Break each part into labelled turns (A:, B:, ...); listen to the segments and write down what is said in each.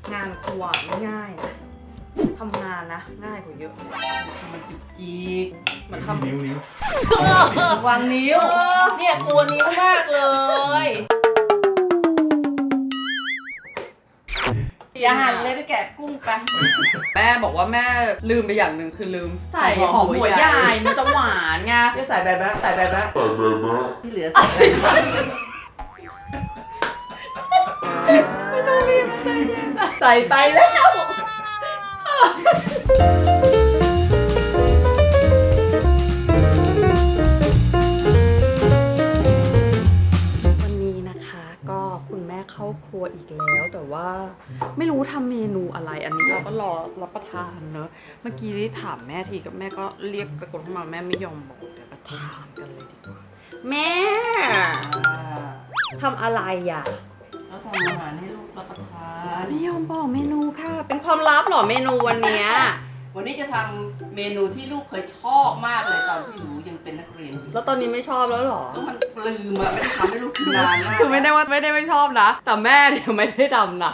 A: งานครัวไม่ง่ายนะทำงานนะง่ายกว่าเยอะ
B: มันจุกจิก
A: เหมือนทำ
C: นิ้ว
B: วางนิ้วเนี่ยกลัวนิ้วมากเลยอย่าหันเลยไปแกะกุ้งไป
A: แม่บอกว่าแม่ลืมไปอย่างหนึ่งคือลืมใส่หอมหัวใหญ่มันจะหวานไง
B: จะใส่แบบนั้นที่เหลือใส่
A: ไม่ต้องรีบใจเย็น
B: ใส่ไปแล้ว
A: วันนี้นะคะก็คุณแม่เข้าครัวอีกแล้วแต่ว่าไม่รู้ทำเมนูอะไรอันนี้เราก็รอรับประทานเนอะเมื่อกี้ได้ถามแม่ทีกับแม่ก็เรียกตะโกนเข้ามาแม่ไม่ยอมบอกเดี๋ยวก็ถามกันเลยดีกว่าแม่ทำอะไรอ่ะ
B: แล้วทำอาหารให้ลูกรับประทาน
A: ไม่ยอมบอกเมนูค่ะเป็นความลับเหรอเมนูวันเนี้ย
B: วันนี้จะทำเมนูที่ลูกเคยชอบมากเลยตอนที่หนูยังเป็นนักเรียน
A: แล้วตอนนี้ไม่ชอบแล้วหรอ
B: ก็มันลืมอะไม่ได้ทำให้ลูกกินนานมาก
A: คือไม่ได้ว่าไม่ชอบนะแต่แม่เนี่ยไม่ได้ทำนะ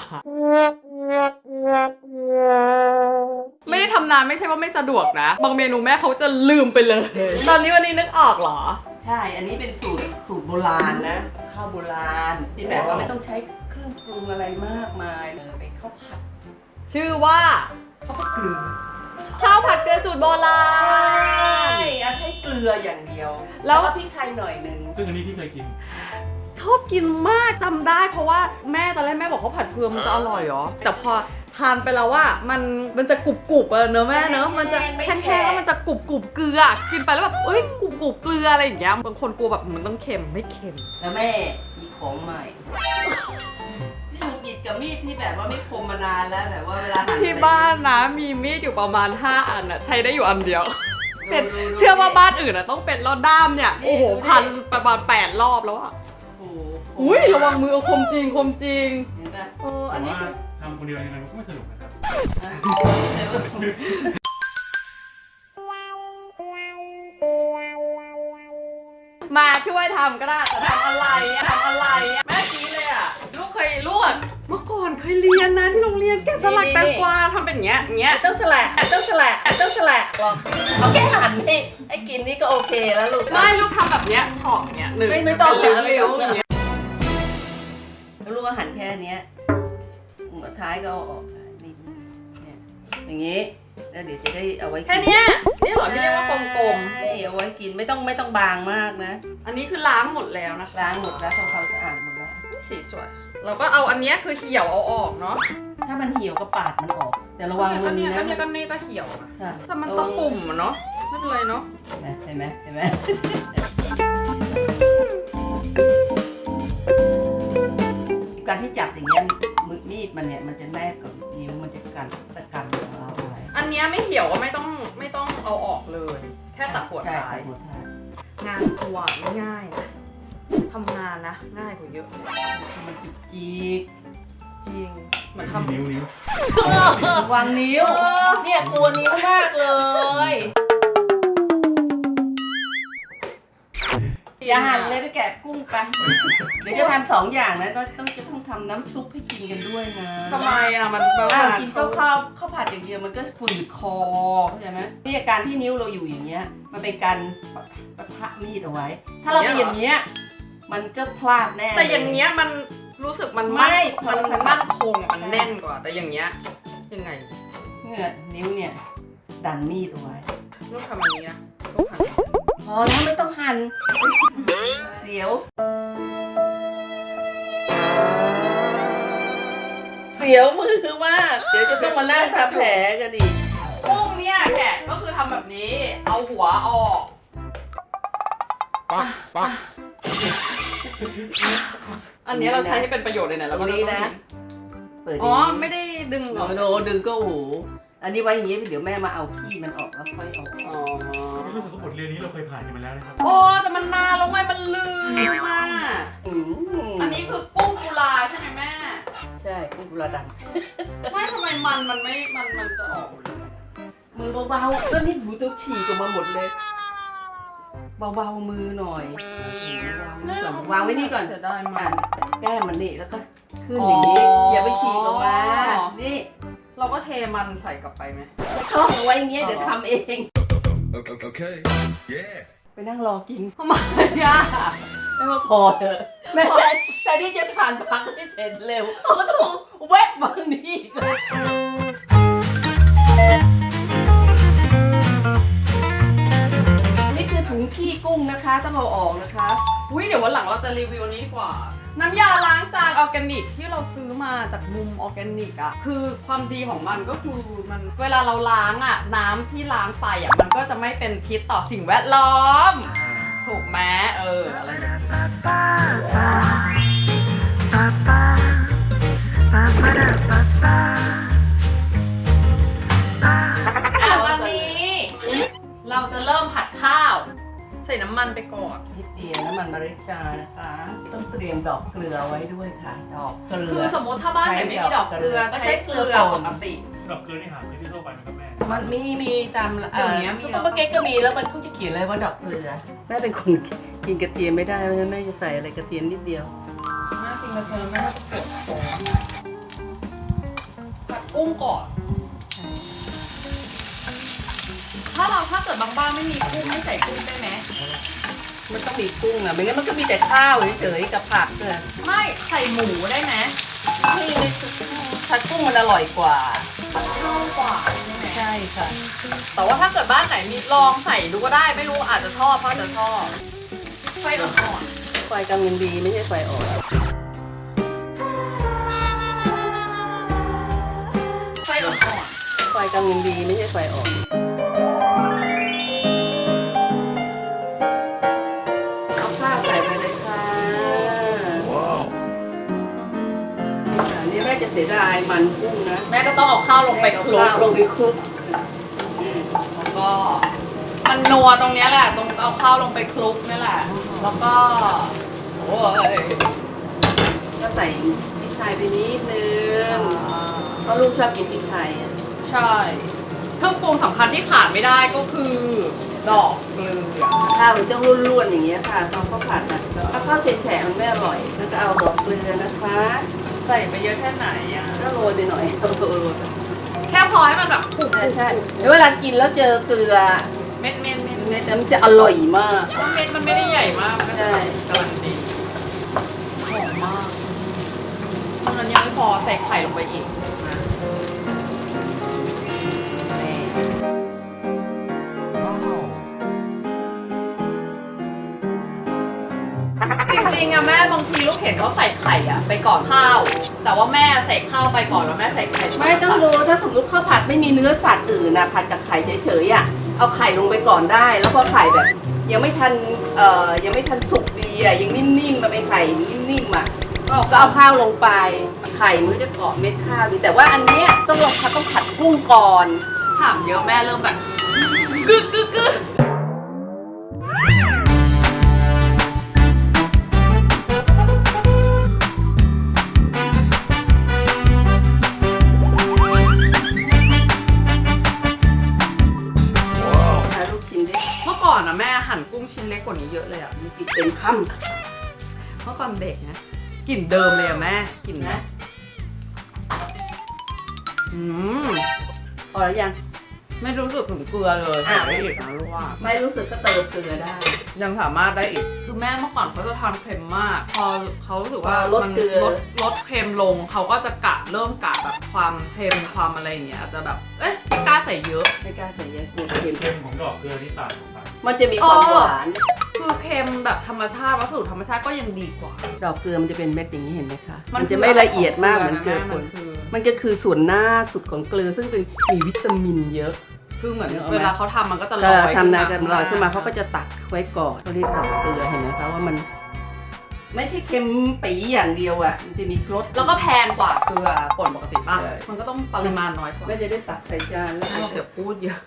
A: ไม่ได้ทำนานไม่ใช่ว่าไม่สะดวกนะบางเมนูแม่เขาจะลืมไปเลยตอนนี้วันนี้นึกออกเหรอ
B: ใช่อันนี้เป็นสูตรโบราณนะข้าวโบราณที่แบบว่าไม่ต้องใช้เครื่องปรุงอะไรมากมายเลยเป็นข้าวผัด
A: ชื่อว่า
B: ข้าวผัดเกลือ
A: ข้าวผัดเกลือสูตรโบราณ
B: ใช้เกลืออย่างเดียวแล้วก็พริกไทยหน่อยนึง
C: ซึ่งอันนี้ที่เคยกิน
A: ชอบกินมากจำได้เพราะว่าแม่ตอนแรกแม่บอกเขาผัดเกลือมันจะอร่อยเหรอแต่พอทานไปแล้วว่ามันจะกรุบๆเนอะแม่เนอะมันจะแห้งๆแล้วมันจะกรุบเกลือกินไปแล้วแบบเอ้ยกรุบเกลืออะไรอย่างเงี้ยบางคนกลัวแบบมันต้องเค็มไม่เค็ม
B: แล้วแม่มีของใหม่มีดกับมีดที่แบบว่าไม่คมมานานแล้วแบบว่าเวลา
A: ที่บ้านนะมีมีดอยู่ประมาณ5 อันอะใช้ได้อยู่อันเดียวเป็นเชื่อว่าบ้านอื่นอะต้องเป็นแล้วด้ามเนี่ยโอ้โหพันประมาณ8 รอบแล้วอะอุ้ยระวังมือคมจริง
B: เห็นปะ
A: อันนี้
C: ทำคนเดียวยังไงมันก็ไม่สนุกนะครับ
A: มาช่วยทำก็ได้แต่ทำอะไรแม่กี้เลยอะลูกเคยลวกเมื่อก่อนเคยเรียนนะที่โรงเรียนแกะสลักแตงกวาทำเป็นอย่างเงี้ย
B: ต้องสลักเอาแค่หั่นให้กินนี่ก็โอเคแล้วลูก
A: ไม่ลูกทำแบบเนี้ยฉอกเนี้ยหนึ่ง
B: ไม่ต้อง
A: เลี้ยวอย่างเงี้ย
B: แล้วลูกก็หั่นแค่เนี้ยหัวท้ายก็เอาออกนี่เนี่ยอย่างงี้แล้วเดี๋ยวจะได้เอาไว้
A: แค่นี้นี่เหรอที่เรียกว่ากลม
B: ๆเอาไว้กินไม่ต้องบางมากนะ
A: อันนี้คือล้างหมดแล้วนะคะ
B: ล้างหมดแล้วทำความสะอาดหมดแล้ว
A: สีสวยเราก็เอาอันนี้คือเหี่ยวเอาออกเนาะ
B: ถ้ามันเหี่ยวก็ปาดมันออกแต่ระวังมือนะ
A: ก็นี่ก็เหี่ยวแต่มันต้องปุ่มเนาะไม่เป็นไรเนาะ
B: เห็นไหมการที่จับอย่างเงี้ยมือมีดมันเนี่ยมันจะแนบกับนิ้วมันจะกันของเราไว้
A: อันนี้ไม่เหี่ยวก็ไม่ต้องเอาออกเลยแค่ตัดหัวท้ายงานครัวไม่ง่ายนะทำงานนะง่ายกว่าเยอะ
B: มันจุกจิก
A: จริงเหมือนทำ
C: นิ้ว
B: วางนิ้วเนี่ยกลัวนิ้วมากเลยอย่าหันเลยไปแกะกุ้งไปเดี๋ยวจะทำ2 อย่างนะต้องทำน้ำซุปให้กินกันด้วยนะ
A: ทำไมอ่ะมัน
B: กินข้าวผัดอย่างเดียวมันก็ฝืดคอเข้าใจไหมนี่อาการที่นิ้วเราอยู่อย่างเงี้ยมันเป็นการปะทะมีดเอาไว้ถ้าเราไปอย่างเงี้ยมันก็พลาดแน่
A: แต่อย่างเงี้ยมันรู้สึกมันมั่นคงมันแน่นกว่าแต่อย่างเงี้ยยังไง
B: เนี่ยนิ้วเนี่ยดันมีดเอาไว้
A: ลูกทำอย่างนี้นะลูกหั่น
B: พอแล้วไม่ต้องหั่นเสียวมือมากเดี๋ยวจะต้องมานั่งทำแผลกันอีก
A: กุ้งเนี่ยแกะก็คือทำแบบนี้เอาหัวออกอันนี้เราใช้ให้เป็นประโยชน์เลยนะแล้วก็
B: นี้นะ
A: อ๋อไม่ได้ดึง
B: ดึงก็โอ้โหอันนี้ไว้อย่างงี้เดี๋ยวแม่มาเอาขี้มันออกแล้วค่อยเอา
C: รู้สึกว่าบทเรียนนี้เราเคยผ่านกันมาแล้วนะครับ
A: โอ้แต่มันนานแล้วไงมันลืมมากอันนี้คือกุ้งกุลาใช่ไหมแม่
B: ใช่กุ้งกุลาดำ
A: ไม่ทำไมมันไม่มันจะออก
B: มือเบาๆก็นี่หูตัวฉีกออกมาหมดเลยเบาๆมือหน่อยวางไว้นี่ก่อน
A: เสียดายมาก
B: แก้มันนี่แล้วก็ขึ้นอย่างนี้อย่าไปฉีกออกมานี่
A: เราก็เทมันใส่กลับไปไหม
B: ไม่ต้องเอาไว้อย่างเงี้ยเดี๋ยวทำเอง
D: Okay. Yeah.
B: ไปนั่งรอกิน
A: ทำไมอ่ะ
B: ไม่ว่าพอเถอะแม่แต่ที่จะทานพักให้เสร็จเร็วก็ต้องแวะบางนี้อีกเลยนี่คือถุงขี้กุ้งนะคะต้องเอาออกนะคะ
A: อุ้ยเดี๋ยววันหลังเราจะรีวิวนี้ดีกว่า น้ำยาล้างจานออร์แกนิกที่เราซื้อมาจากมุมออร์แกนิกอะคือความดีของมันก็คือมันเวลาเราล้างอะน้ำที่ล้างไปอะมันก็จะไม่เป็นพิษต่อสิ่งแวดล้อม ถูกไหมอะไรอย่างเงี้ยวันนี้เราจะเริ่มผัดข้าว ใส่น้ำมันไปก่อน
B: นิดเดียวน้ำมันมะริชานะคะ ต้องเตรียมดอกเกลือไว้ด้วยค่ะ ดอกเกลื
A: คือ
B: อ
A: สมมติถ้าบ้านไหนไม่มีดอกเกลือ
B: ก็
A: ใช้
B: ใช้
A: เก
B: เกลื
A: ลื
B: อ
A: อ
B: ป่น
A: ปกติ
C: ดอกเกลือนี่หาซื้อที่ทั่วไปไหมครับแม่
B: มันมีตาม
A: เดี๋ยวนี้มี
B: ซุปเปอร์มาร์เก็ตก็มีแล้วมันเขาจะเขียนเลยว่าดอกเกลือแม่เป็นคนกินกระเทียมไม่ได้เพราะฉะนั้นแม่จะใส่อะไรกระเทียมนิดเดียวแม่กินกระเทียมแม่ก็กดโผล่
A: ผัดกุ้งก่อน ถ้าเกิดบางบ้านไม่มีกุ้งไม่ใส่กุ้งได้ไหม
B: มันต้องมีกุ้งอ่ะไม่งั้นมันก็มีแต่ข้าวเฉยๆกับผักเลย
A: ไม่ใส่หมูได้ไหม
B: นี่ผัดกุ้งมันอร่อยกว่า
A: มันเข้ากว่าใช่ไหม
B: ใช่ค่ะ
A: แต่ว่าถ้าเกิดบ้านไหนมีลองใส่ดูก็ได้ไม่รู้อาจจะชอบเพราะจะชอบไฟอ่อน
B: ไฟกำลังดีไม่ใช่ไฟอ่อน
A: ๆไฟอ่อน
B: ไฟกำลังดีไม่ใช่ไฟอ่อนเอาข้าวใส่ไปเลยค่ะ
D: Wow.
B: อันนี้แม่จะเสียดายมันกุ้งนะ
A: ๆแม่ก็ต้องเอาข้าวลงไปคลุก
B: เอาข้าวลงไปคลุก
A: แล้วก็มันนัวตรงเนี้ยแหละตรงเอาข้าวลงไปคลุกนี่แหละแล้วก็โอ้ย
B: ก็ใส่พริกไทยไปนิดนึงเพราะลูกชอบกินพริกไทยอ่ะ
A: ใช่เครื่องปรุงสำคัญที่ขาดไม่ได้ก็คือดอกเกลือ
B: ข้าวมันต้องร่วนๆอย่างเงี้ยค่ะตอนข้าวผัดนะถ้าข้าวแฉะๆมันไม่อร่อยแล้วก็เอาดอกเกลือนะคะ
A: ใส่ไปเยอะแค่ไหนอ่ะ
B: ก็โรยไปหน่อยโรย
A: แค่พอให้มันแบบปุก
B: ใช่แล้วเวลากินแล้วเจอเกลือ
A: เม็ด
B: มันจะอร่อยมาก
A: เม็ดมันไม่ได้ใหญ่มากมันก็
B: ใช่
A: กำลังดีหอมมากตอนนั้นยังไม่พอใส่ไข่ลงไปอีกนะนี่
D: Wow.
A: จริงๆอะแม่บางทีลูกเห็นเขาใส่ไข่อะไปก่อนข้าว แต่ว่าแม่ใส่ข้าวไปก่อนแล้วแม่ใส่ไข่
B: ไม่ต้องรู้ถ้าสมมติข้าวผัดไม่มีเนื้อสัตว์อื่นนะผัดกับไข่เฉยๆอ่ะเอาไข่ลงไปก่อนได้ แล้วพอไข่แบบ ยังไม่ทันสุกดีอ่ะยังนิ่มๆมาเป็นไข่นิ่มๆอ่ะก็เอาข้าวลงไปไข่มันก็จะเกาะเม็ดข้าวดีแต่ว่าอันเนี้ยต้องผัดกุ้งก่อน
A: ถามเยอะแม่เริ่มแบบกึก
B: หาลูกชิ้นได้
A: เมื่อก่อนอะแม่หั่นกุ้งชิ้นเล็กกว่านี้เยอะเลยอะ
B: มันกินเต็มค
A: เมื่อก่อนเด็กนะกลิ่นเดิมเลยอะแม่กลิ่น
B: ำ
A: นะ
B: นะ
A: อืม
B: พอแล้วยัง
A: ไม่รู้สึกถึงเกลือเลย
B: อ่ะ
A: ได้อีกนะลูกว่า
B: ไม่รู้สึกก็เติมเกลือได้
A: ยังสามารถได้อีก คือแม่เมื่อก่อนเขาจะทานเค็มมาก พอเขารู้สึกว่า
B: ลด
A: มัน
B: เกลือ
A: ลดเค็มลง เขาก็จะเริ่มกะแบบความเค็มความอะไรอย่างเงี้ยอาจจะแบบ เอ๊ะไม่กล้าใส่เยอะ
B: ไม่กล้าใส่เยอะกลัวเค็ม
C: เค็มของดอกเกลือนี่ต่างกันไป
B: มันจะมีความหวาน
A: คือเค็มแบบธรรมชาติวัสดุธรรมชาติก็ยังดีกว่า
B: ดอกเกลือมันจะเป็นเม็ดอย่างนี้เห็นไหมคะ
A: มั
B: มัน
A: คือ
B: จะไม่ละเอียดมากเหมือนเกลือ
A: นะ
B: ป่น
A: คือ
B: มันก็คือส่วนหน้าสุดของเกลือซึ่งเป็นมีวิตามินเยอะ
A: คือเหมือน
B: นึกออกไหม
A: เวลาเขาทำมันก็จะล
B: ก็
A: อย
B: ทำนากันลอยขึ้นมาเขาก็จะตักไว้ก่อนเขาเรียกดอกเกลือเห็นไหมคะว่ามัน ไม่ใช่เค็มปีอย่างเดียวอ่ะมันจะมีรส
A: แล้วก็แพงกว่าเกลือป่นปกติป่ะ
B: ใช่
A: มันก็ต้องปริมาณน้อยกว่า
B: ไม่จะได้ตักใส่จานแล้ว
A: เราเดี๋ยวพูดเยอะ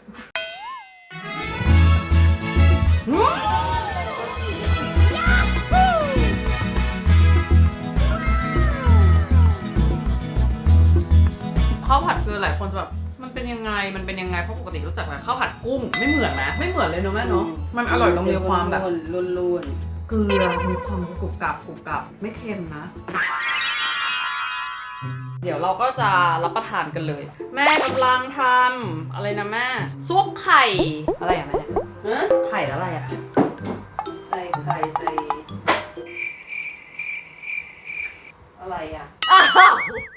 A: ข้าวผัดเกลือหลายคนจะแบบมันเป็นยังไงเพราะปกติรู้จักแต่ข้าวผัดกุ้งไม่เหมือนนะไม่เหมือนเลยเนอะแม่เนาะมันอร่อยตรงมีความแบบ
B: ล้วน
A: เกลือมีความกรุบกรับไม่เค็มนะเดี๋ยวเราก็จะรับประทานกันเลย แม่กำลังทำอะไรนะแม่ซุปไข่อะไรอะแม่
B: ฮะ
A: ไข่อะไรอะ
B: ใส่ไข่ใส่อะไรอ่ะ
A: อ้าว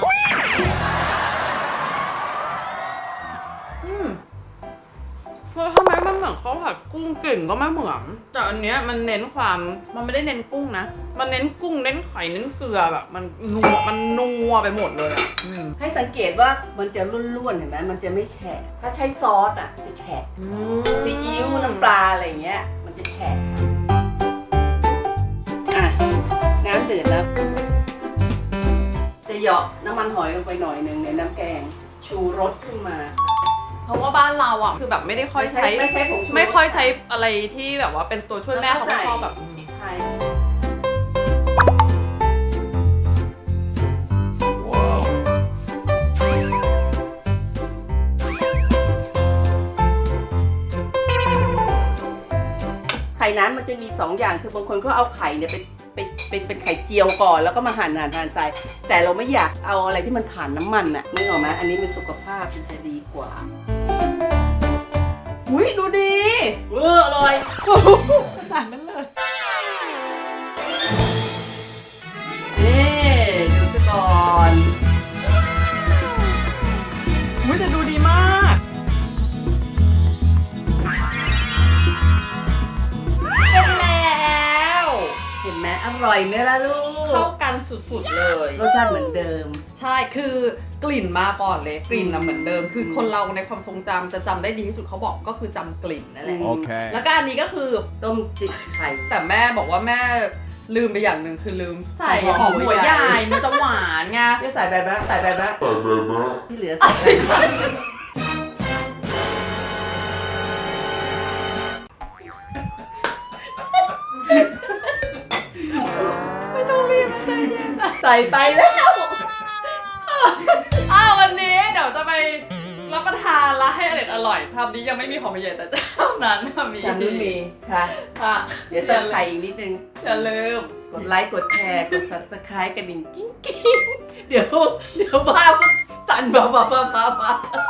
A: คือทำไมมันเหมือนข้าวผัดกุ้งกลิ่นก็ไม่เหมือนแต่อันเนี้ยมันเน้นความมันไม่ได้เน้นกุ้งนะมันเน้นกุ้งเน้นไข่เน้นเกลือแบบมันนัวไปหมดเลยอะ
B: ให้สังเกตว่ามันจะร่วนๆเห็นไหมมันจะไม่แฉะถ้าใช้ซอสอ่ะจะแฉะซีอิ๊วน้ำปลาอะไรอย่างเงี้ยมันจะแฉะอ่ะน้ำเดือดแล้วจะเหยาะน้ำมันหอยลงไปหน่อยหนึ่งในน้ำแกงชูรสขึ้นมา
A: เพราะว่าบ้านเราอ่ะคือแบบไม่ได้ค่อยใช้
B: ไม่ใช้ผงชูรส
A: ไม่ค่อยใช้อะไรที่แบบว่าเป็นตัวช่วยแม่เขาไม่ชอบแบบ
B: พริกไทย
D: Wow.
B: ไข่นั้นมันจะมี2อย่างคือบางคนก็เอาไข่เนี่ยเป็นไข่เจียวก่อนแล้วก็มาหั่นใส่แต่เราไม่อยากเอาอะไรที่มันผ่านน้ำมันน่ะนึกออกไหมอันนี้เป็นสุขภาพมันจะดีกว่าอุ้ยดูดีอร่อย
A: ขนาดนั้นเลย
B: นี่ดูซะก่อน
A: อุ้ยแต่ดูดีมาก เป็นแล้ว
B: เห็นไหมอร่อยไหมล่ะลู
A: เข้าก กันสุดๆเลย
B: รสชาติเหมือนเดิม
A: ใช่คือกลิ่นมาก่อนเลยกลิ่นน่ะเหมือนเดิม คือคนเราในความทรงจำจะจำได้ดีที่สุดเขาบอกก็คือจำกลิ่นนั่นแหละ
D: Okay.
A: แล้วก็อันนี้ก็คือ
B: ต้มจิกไข่
A: แต่แม่บอกว่าแม่ลืมไปอย่างหนึ่งคือลืมใส่
B: ใส่
A: ห
B: ห
A: อ
B: อ
A: ม
B: มหั
A: หัว
B: ว
A: ให
B: ใหญ่
A: ญ่มันจะหวานไง
B: ที่ใส่แบบนั้นที่เหลือใส่ไป
A: ไม่ต้องรีบใจเย็นนะ
B: ใส่ไปแล้ว
A: วันนี้เดี๋ยวจะไปรับประทานและให้อร่อยชามนี้ยังไม่มีของใหญ่แต่เจ้านั้นน่ะมี
B: จำนู้นมีค่ะ
A: ค่ะ
B: เดี๋ยวเติมไข่อีกนิดนึง
A: อย่าลืม
B: กดไลค์ กดแชร์ กด subscribe กระดิ่งกิ้งกิ้งเดี๋ยวบ้าก็สั่นบ้า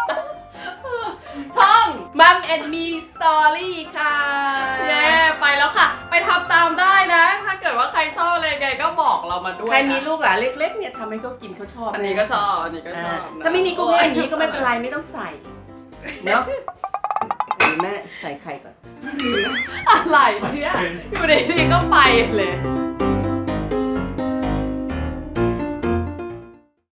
B: ช่องมัมแอนมีสตอรี่ค่ะ
A: เย้ไปแล้วค่ะ ไปทำตามได้นะ ถ้าเกิดว่าใครชอบอะไรไงก็บอกเรามาด้วย
B: ใครมี
A: นะ
B: ลูกหลานเล็กๆเนี่ยทำให้เขากินเขาชอบ
A: อันนี้ก็ชอบอันนี้ก็ชอบนะ
B: ถ้าไม่มีกุ้งแห้งอย่างนี้ก็ไม่เป็นไรไม่ต้องใส่เนาะเดี๋ยวแม่ใส่ไข่ก่อน
A: อะไรเนี่ยอยู่ดีๆก็ไปเลย